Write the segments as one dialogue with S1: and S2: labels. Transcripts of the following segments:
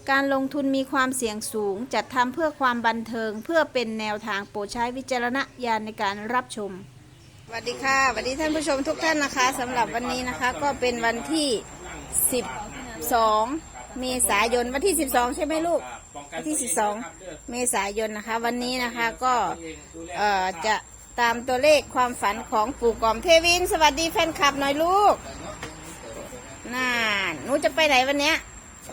S1: การลงทุนมีความเสี่ยงสูงจัดทำเพื่อความบันเทิงเพื่อเป็นแนวทางโปรดใช้วิจารณญาณในการรับชมสวัสดีค่ะสวัสดีท่านผู้ชมทุกท่านนะคะสำหรับวันนี้นะคะก็เป็นวันที่12เมษายนวันที่12ใช่ไหมลูกวันที่12เมษายนนะคะวันนี้นะคะก็จะตามตัวเลขความฝันของปู่กอมเทวินสวัสดีแฟนคลับหน่อยลูกน่าหนูจะไปไหนวันเนี้ย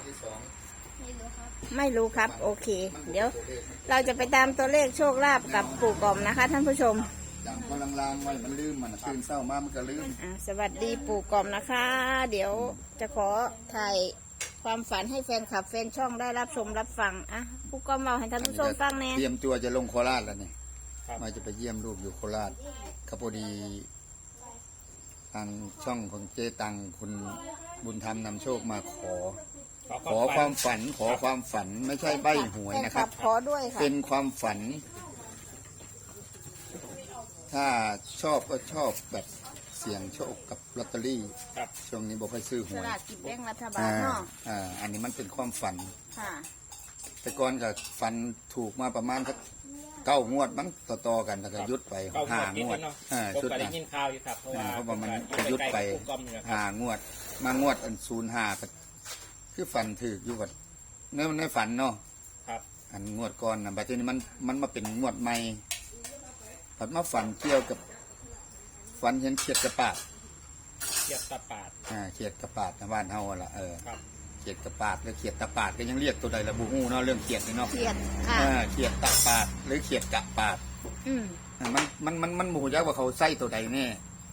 S1: ไม่รู้ครับโอเคเดี๋ยวเราจะไปตามตัวเลขโชคลาภกับปู่กอมนะคะท่านผู้ชม
S2: จังพลังลางไว้มันลืมมันตื่นเศร้ามามันก็ลืม
S1: สวัสดีปู่กอมนะคะ เดี๋ยวจะขอถ่ายความฝันให้แฟนคลับแฟนช่องได้รับชมรับฟังปู่กอมเราให้ท่านผู้ชมฟังแน่
S2: เตรียมตัวจะลงโคราชแล้วนี่มาจะไปเยี่ยมลูกอยู่โคราชก็พอดีทางช่องของเจตังคุณบุญธรรมนำโชคมาขอความฝันขอความฝันไม่ใช่ใบ้หวยนะครับ
S1: ขอด้วยค่ะ
S2: เป็นความฝันถ้าชอบก็ชอบแบบเสี่ยงโชคกับลอตเตอรี่ช่วงนี้บอกให้ซื้อหวย
S1: สลากกินแบ่งรัฐบาลเนาะ
S2: อันนี้มันเป็นความฝัน
S1: ค่ะ
S2: แต่ก่อนก็ฝันถูกมาประมาณสัก9 งวดมั้งต่อกันแล้วก็ยุดไป5 งวด
S3: ชุดได้ยินข่าวอยู่ครับเพราะ
S2: ว่ามันจะยุดไป5 งวดมางวด05ก็คือฝันถืออยู่กับในฝันเนาะอันงวดก่อนนะบัดนี้มันมาเป็นงวดใหม่ผัดมาฝันเกี่ยวกับฝันเห็นเขียดกระปาด
S3: เขียดตะปาด
S2: เขียดกระปาดในบ้านเฮาละเขียดกระปาดหรือเขียดตะปาดก็ยังเรียกตัวใดละบูฮู้เนาะเรื่องเขียดนี่เนาะ
S1: เขียด
S2: เขียดตะปาดหรือเขียดกระปาดมันหมู่ยักษ์ว่าเขาใส่ตัวใดแน่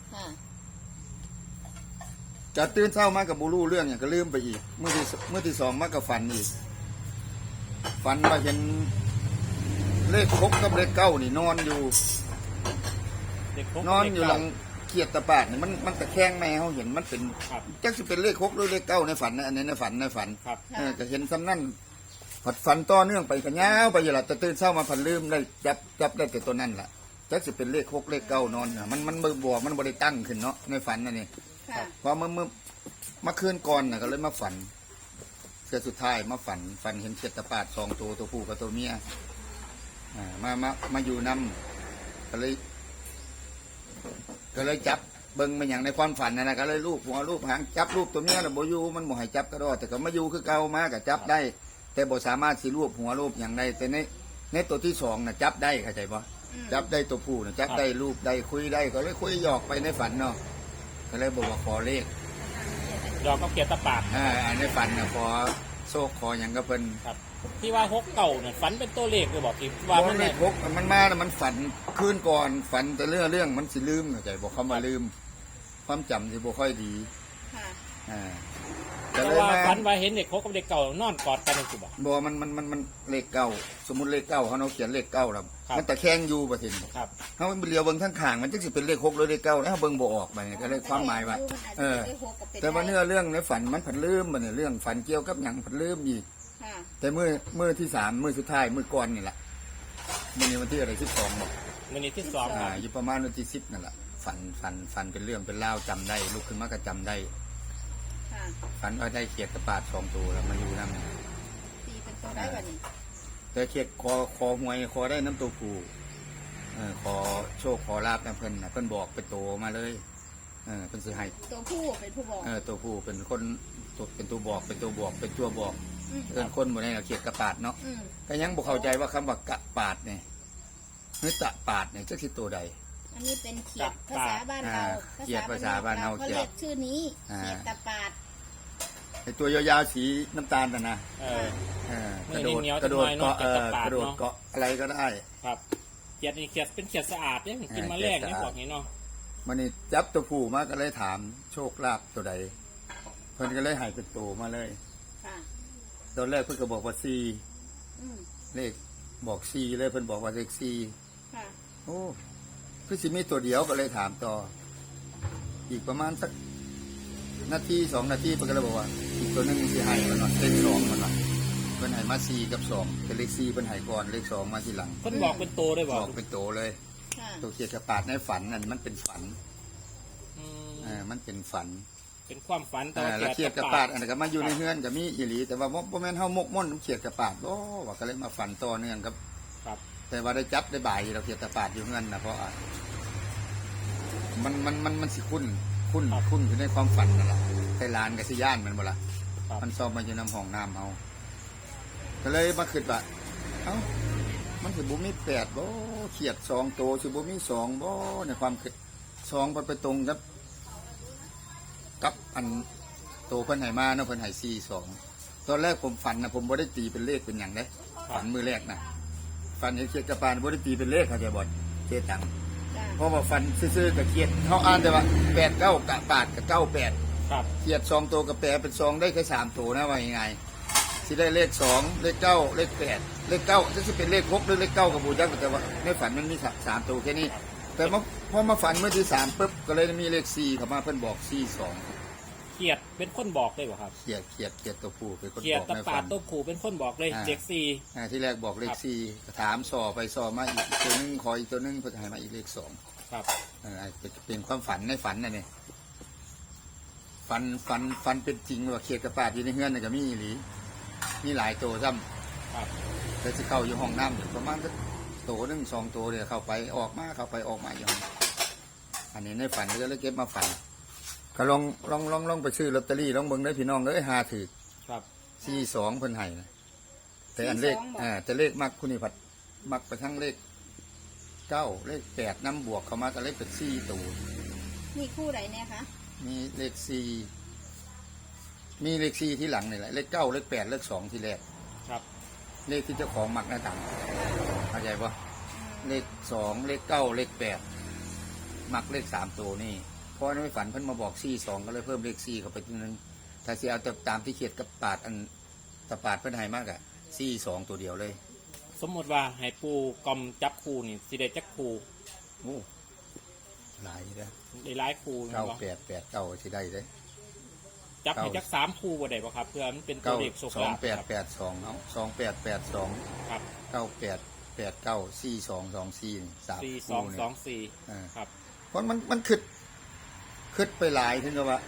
S2: จะตื่นเช้ามากับบูรู้เรื่องอย่างก็ลืมไปอีกเมื่อที่2มากับฝันอีกฝันว่าเห็นเลข6กับเลข9นี่นอนอยู่หลังเขียดตะปาดนี่มันตะแคงแม่เขาเห็นมันเป็นจักสิเป็นเลข6หรือเลข9ในฝันนะอันนี้ในฝันก็เห็นซ้ำนั่นผัดฝันต่อเนื่องไปกันยาวไปอยู่ละแต่ตื่นเช้ามาผัดลืมได้จับได้แต่ตัวนั่นแหละจักสิเป็นเลข6เลข9นอนมันบ่มันบ่ได้ตั้งขึ้นเนาะในฝันนั่นนี่พอเมื่อคืนก่อนน่ะก็เลยมาฝันเสือสุดท้ายมาฝันเห็นเขียดตะปาด2 ตัวผู้กับตัวเมียมาอยู่นำก็เลยจับเบิ้งมันอย่างในความฝันนะก็เลยลูกหัวลูกหางจับลูกตัวเมียแล้วบ่อยู่มันบ่ให้จับก็ได้แต่ก็มาอยู่คือเก่ามาก็จับได้แต่บ่สามารถสิรูปหัวรูปอย่างใดแต่ในตัวที่2น่ะจับได้เข้าใจบ่จับได้ตัวผู้น่ะจับได้รูปได้คุยได้ก็เลยคุยหยอกไปในฝันเนาะก็เลยบอกว่าขอเลข
S3: หยอกก็เขียดตะปาด
S2: ในฝันน่ะขอโชคขออย่างก็เพิ่น
S3: ที่ว่า6เก่าเนี่ยฝันเป็นตัวเลขเลยบอกที่
S2: ว่ามันเลข6มันมาแล้วมันฝันคืนก่อนฝันแต่เรื่องมันสิลืมเข้าใจบอกเขามาลืมความจำสิบ่ค่อยดี
S3: แต่ว่าฝันว่าเห็นเด็ก6กับเด็กเก่านอนกอดกันคือ
S2: บ่มันเลข9สมมุติเลข9เขาเขียนเลข9แล้วมันตะแคงอยู่บ่ทินเฮาเลียวเบิ่งข้างๆมันจักสิเป็นเลข6หรือเลข9แล้วเฮาเบิ่งบ่ออกบัดนี้ก็เลยความหมายว่าแต่ว่าเรื่องในฝันมันผันลืมบัดนี้เรื่องฝันเกี่ยวกับหยังผันลืมอีกแต่เมื่อที่3มื้อสุดท้ายมื้อก่อนนี่แหละมื้อนี้วันที่อะไร12บ่
S3: มื้อนี้ที่2
S2: อยู่ประมาณวันที่10นั่นแหละฝันเป็นเรื่องเป็นราวจำได้ลุกขึ้นมาก็จำได้ฝันว่าได้เขียดกระปาด2 ตัวแล้วมาอยู่นำ
S1: ตีเป็นตัวได้บัดนี้
S2: แต่เขียดคอหวยคอได้น้ำตัวผู้ขอโชคขอลาบนะเพิ่นบอกเป็นโตมาเลยเพิ่นสิให้
S1: ตัวผู้เป็นผู้บอก
S2: ตัวผู้เป็นคนเป็นตัวบอกเป็นตัวบอกเป็นตัวบอกเอิ้นคนบ่ได้เขียดกระปาดเนาะก็ยังบ่เข้าใจว่าคำว่ากระปาดนี่หรือตะปาดนี่จักสิตัวใด
S1: อันนี้เป็นเขียดภาษาบ้านเรา
S2: เขียดภาษาบ้านเรา
S1: เขาเรียกชื่อนี้เขียดตะปาด
S2: ไอตัวยาวๆสีน้ำตาลนะกระโดดเกาะอะไรก็ได้
S3: ครับเขียดนี่เขียดเป็นเขียดสะอาดเนี่ยกินมาแรกนี่บอกงี้เนาะ
S2: มันนี่จับตัวผู้มาก็เลยถามโชคลาภตัวใดเพิ่นก็เลยให้เป็นตัวมาเลยตอนแรกเพิ่นก็บอกว่า4เลขบอก4เลยเพิ่นบอกว่าเลข4โอ้คือสิมีตัวเดียวก็เลยถามต่ออีกประมาณสักนาที2 นาทีเพิ่นก็เลยบอกว่าอีกตัวนึงสิให้มันเลข2มันว่าเพิ่นให้มา4กับ2แต่เลข4เพิ่นให้ก่อนเลข2มาทีหลัง
S3: เพิ่นบอกเป็นโตได้
S2: บอกเป็นโตเลยตัวเขียดกระปาดในฝันนั่นมันเป็นฝันมันเป็นฝัน
S3: เป็นความฝันแต่
S2: แล้วเขียดกับปาดอันนั้นก็มาอยู่ในเฮือนก็มีอีหลีแต่ว่าบ่แม่นเฮามกม่อนเขียดกับปาดบ่ว่าก็เลยมาฝันต่อเนื่องครับ
S3: ครับ
S2: แต่ว่าได้จับได้บ่ายเราเขียดกับปาดอยู่เฮือนนะเพราะมันสิคุ้นอยู่ในความฝันนั่นล่ะแต่หลานก็สิย่านมันบ่ล่ะ
S3: ครับ
S2: มันซ่อมมาอยู่น้ำห้องน้ำเฮาก็เลยมาคิดว่าเอ้ามันสิบ่มี8บ่เขียด2ตัวสิบ่มี2บ่ในความคิด2มันไปตรงกับอันโตเพิ่นให้มาเนาะเพิ่นให้42ตอนแรกผมฝันนะผมบ่ได้ตีเป็นเลขเป็นหยังเด้ฝันมื้อแรกนะฝันเห็นเขียดกับปานบ่ได้ตีเป็นเลขเขาจะบ่เจตัง
S1: จ้ะ
S2: เพราะว่าฝันซื่อๆกับเขียดเฮาอ่านแต่ว่า8 9กะปาดกับ98
S3: ครับ
S2: เขียด2ตัวกับแปดเป็น2ได้แค่3ตัวนะว่ายังไงสิได้เลข2เลข9เลข8เลข9จะสิเป็นเลข6หรือเลข9กับบ่จักแต่ว่าในฝันมันมี3ตัวแค่นี้แต่พอมาฝันเมื่อที่3ปึ๊บก็เลยมีเลข4เข้ามาเพิ่นบอก42
S3: เขียดเป็นคนบอกเลยบ่ครับ
S2: เขียดตัวผู้เป็นคน
S3: เขีย
S2: บ
S3: ด
S2: อก
S3: ตะ
S2: ใน
S3: ปา
S2: ฝั
S3: ด
S2: น
S3: ตัวขู่เป็นคนบอกเลยเจ็กซี
S2: ที่แรกบอกเลข
S3: ครับ
S2: 4ถามสอไปสอมาอีกตัวนึงขออีกตัวนึงเพิ่นให้มาอีกเลข2
S3: ครับ
S2: เป็นความฝันในฝันน่ะนี่ฝันเป็นจริงว่าเขียดกระปาดอยู่ในเฮือนน่ะก็มีอีหลีมีหลายตัวซ้ำ
S3: ครับ
S2: แต่สิเข้าอยู่ห้องน้ำอยู่ประมาณสักตัวหนึ่ง2ตัวเดียวเข้าไปออกมาอยู่ห้องอันนี้ในฝันก็เลยเก็บมาฝันก็ลองไปซื้อลอตเตอรี่ลองเบิ่งได้พี่น้องเลยหาถือ
S3: ครับ
S2: 42เพิ่นให้นะแต่อันเลขแต่เลขมักคุณนี่ผัดมักไปทั้งเลข9เลข8น้ำบวกเข้ามาก็เลยเป็น4ตัว
S1: มีคู่ไหนเนี่ยคะ
S2: มีเลข4มีเลข4ที่หลังนี่แหละเลข9เลข8เลข2ที่แรก
S3: ครับ
S2: เลขที่เจ้าของมักหน้าต่างเข้าใจปะเลข2เลข9เลข8มักเลข3ตัวนี่เพราะในฝันเพิ่นมาบอก42ก็เลยเพิ่มเลข4เข้าไปทีนึงถ้าสิเอาตามที่เขียดกับปาดอันตะปาดเพิ่นให้มากอะ42ตัวเดียวเลย
S3: สมมติว่าให้ปูกอมจับคูนี่สิได้จักคู
S2: โอ้หลายเด้อ
S3: ได้หลายคูนะบ่
S2: 9889สิได้เด้
S3: จับให้จัก3คูบ่ได้บ่ครับเพื่อมันเป็นตัวเลขโชคลาภครับ
S2: 2882เอา2882
S3: ครับ
S2: 9889 4224นี่3
S3: 4
S2: คู่นี่
S3: 2 2 4ครับ
S2: เพราะมันคิดไปหลายถึงกับว่า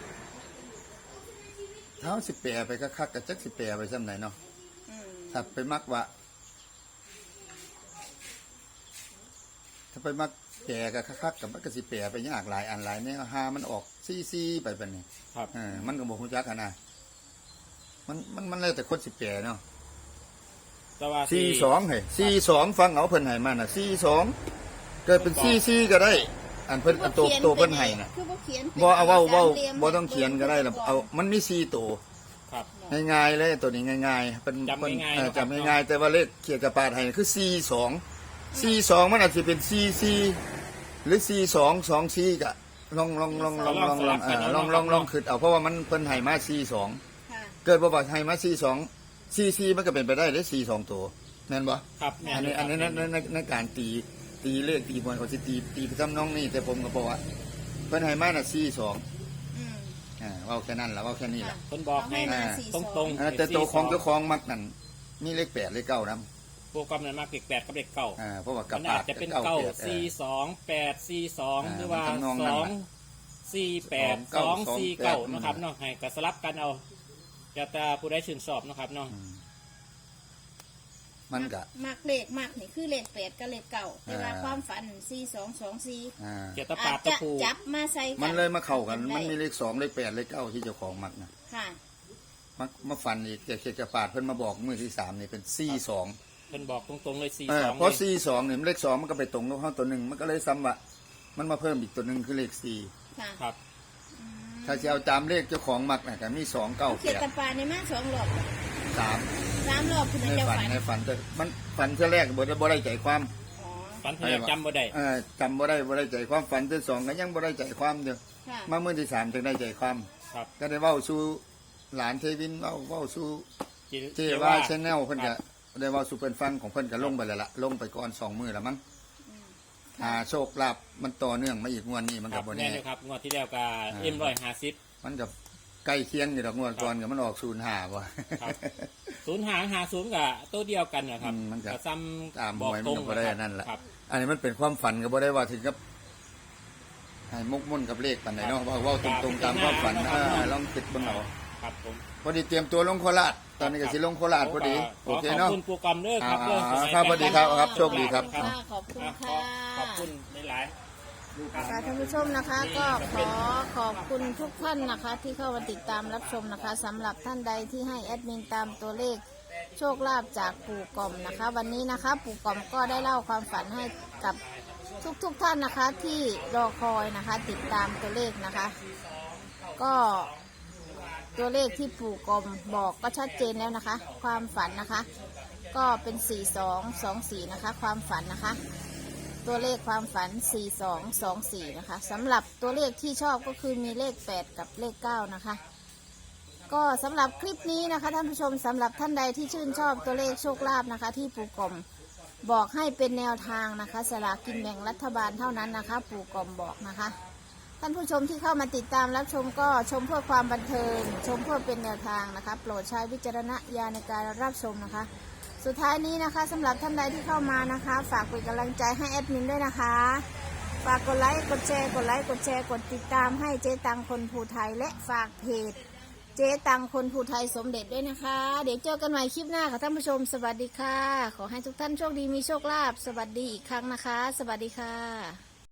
S2: เท้าสิแปรไปคักๆกับจักสิแปรไปซ้ำไหนเนาะ
S1: อืม
S2: ถ้าไปมักว่าถ้าไปมักแปรกับคักๆกับมันก็สิแปรไปยากหลายอันหลายเนี่ยหามันออกซี่ไปแบบนี้
S3: ครับ
S2: มันก็บอกฮู้จักกันนะมันแล้วแต่คนสิแปรเนาะ
S3: แต่ว่า
S2: 42เฮ้ย42ฟังเอาเพิ่นให้มาน่ะ42เกิดเป็น44ก็ได้ อันเพิ่นอันโตเพิ่นให้น่ะ
S1: คือบ่เขียน
S2: บ่เอาเว้า
S1: สมหลี่ยม
S2: บ่ต้องเขียนก็ได้ล่ะเอามันมี4ตัว
S3: ครับ
S2: ง่ายๆเลยตัวนี้ง่ายๆเป็น
S3: จำง่ายๆ
S2: จำ
S3: นะครับ
S2: ง่ายๆแต่ว่าเลขเขียนกระปาดให้คือ42มันอาจจะเป็น44หรือ4224ก็ลองคิดเอาเพราะว่ามันเพิ่นให้มา42
S1: ค่ะ
S2: เกิดบ่ว่าให้มา44มันก็เป็นไปได้เลย42ตัวแม่นบ่
S3: ครับแม่
S2: อันนี้
S3: ครับ
S2: ในการตีเลขตีบอลเขาสิตีไปทำน้องนี่แต่ผมก็บอกว่าเพิ่นให้มาน่ะ42
S1: อืม
S2: เว้าแค่นั้นล่ะเว้าแค่นี้ล่ะ
S3: เพิ่นบอกให้
S1: เอาให้มา
S3: ตรง
S2: แต่ตัวของเจ้าของมักนั่นมีเลข8เลข9นำ
S3: โปรแกรมนั้นมากเลข8กับเลข9
S2: เพราะว่ากั
S3: มั
S2: บ
S3: น
S2: ปา
S3: อา
S2: ด
S3: จจะเป็น
S2: กับ
S3: เก้า
S2: 8
S3: 4 2 8 4 2หรือว่า
S2: มันทำนองนั้นล่ะ
S3: 2 4 8 2 4 9นะครับเนาะให้ก็สลับกันเอาจะแต่ผู้ใดชื่นชอบนะครับเนาะ
S2: มันก็
S1: มักเลขมักนี่คือเลข8กับเลข9แต่ว่าความฝัน4224
S3: เกียรติ
S1: อา
S3: ปา
S1: จ
S3: ดตะ
S1: จะ
S3: ปู
S1: จับมาใส่กัน
S2: มันเลยมาเข้ากัน
S1: ได้
S2: มันมีเลข2เลข8เลข9ที่เจ้าของมักนะ
S1: ค่ะ
S2: มาฟันอีกเขียนกระปาดเพิ่นมาบอกมือที่3นี่เป็น42
S3: เพิ่นบอกตรงๆเลย4 2
S2: เพราะ42นี่เลข2มันก็ไปตรงกับเฮาตัวหนึงมันก็เลยซ้ำว่ามันมาเพิ่มอีกตัวหนึงคือเลข4
S1: ค่ะ
S3: ครับ
S2: ถ้าจะเอาตามเลขเจ้าของมักน่ะก็มี2 9
S1: เขียนตะ
S2: 8
S1: ปาในมา2รอบ
S2: 3
S1: 3รอบคุณ
S2: ใน
S1: จะ
S2: ฝัน
S1: ฝัน
S2: ในฝันแต่มันฝันเท่าแรกบ่ได้ใจความ
S1: อ๋อ
S3: ฝันเพียงจำบ่ได้
S2: จำบ่ได้ใจความฝันที่2ก็ยังบ่ได้ใจความเดียว
S1: ค่ะ
S2: มามื้อที่3จึงได้ใจความ
S3: ครับ
S2: ก็ได้เว้าสู่หลานเทวินเว้าสู่เจว่าชแนลเพิ่นก็ได้เว้าสู่เพิ่นฟังของเพิ่นก็ลงไปแล้วล่ะลงไปก่อน2มื้อแล้วมั้งโชคลาภมันต่อเนื่องมาอีกงวดนี้มัน
S3: ค
S2: ก็
S3: รับ
S2: บ่
S3: แน่
S2: แน่
S3: เลยครับงวดที่แล้วก็M150
S2: มันก็ใกล้เคียงอยู่ดอกงวดก่อนก็มันออก05บ่
S3: ครับ 0 กับตัวเดียวกันนะครับ
S2: มันก็
S3: ซ้ำ
S2: ตามห
S3: บอก
S2: วย
S3: ต
S2: มั
S3: ร
S2: น
S3: ง
S2: ก็บ่ได้
S3: ครับ
S2: นั่นแหละ
S3: ครับ
S2: อันนี้มันเป็นความฝันก็บ่ได้ว่าถึงกับให้มุกมุ่นกับเลขปันไหนเนาะเว่าตรงๆตามความฝันลองคิดเบนเอา
S3: ครับผม
S2: พอดีเตรียมตัวลงโคราชตอนนี้ก็สิลงโคราชพอดีโอเค
S3: ขอบ
S2: เนาะ
S3: คุณปูกอมเด้อครับ
S2: ครับสวัสดีครับครับโชคดีครับ
S1: ขอบคุณค่ะ
S3: ขอบคุณหลายๆ
S1: ค่ะท่านผู้ชมนะคะก็ขอขอบคุณทุกท่านนะคะ ที่เข้ามาติดตามรับชมนะคะสำหรับท่านใดที่ให้แอดมินตามตัวเลขโชคลาภจากปู่กอมนะคะ วันนี้นะคะปู่กอมก็ได้เล่าความฝันให้กับทุกท่านนะคะที่รอคอยนะคะ ติดตามตัวเลขนะคะ ก็ตัวเลขที่ปู่กอมบอกก็ชัดเจนแล้วนะคะ ความฝันนะคะ ก็เป็น4224นะคะความฝันนะคะ ตัวเลขความฝัน4224นะคะสำหรับตัวเลขที่ชอบก็คือมีเลข8กับเลข9นะคะก็สำหรับคลิปนี้นะคะท่านผู้ชมสำหรับท่านใดที่ชื่นชอบตัวเลขโชคลาภนะคะ ที่ปู่กอมบอกให้เป็นแนวทางนะคะสลากกินแบ่งรัฐบาลเท่านั้นนะคะ ปู่กอมบอกนะคะท่านผู้ชมที่เข้ามาติดตามรับชมก็ชมเพื่อความบันเทิงชมเพื่อเป็นแนวทางนะคะโปรดใช้วิจารณญาณในการรับชมนะคะสุดท้ายนี้นะคะสำหรับท่านใดที่เข้ามานะคะฝากเป็นกำลังใจให้แอดมินด้วยนะคะฝากกดไลค์กดแชร์กดไลค์กดแชร์กดติดตามให้เจ๊ตังคนภูไทยและฝากเพจเจ๊ตังคนภูไทยสมเด็จด้วยนะคะเดี๋ยวเจอกันใหม่คลิปหน้าค่ะท่านผู้ชมสวัสดีค่ะขอให้ทุกท่านโชคดีมีโชคลาภสวัสดีอีกครั้งนะคะสวัสดีค่ะ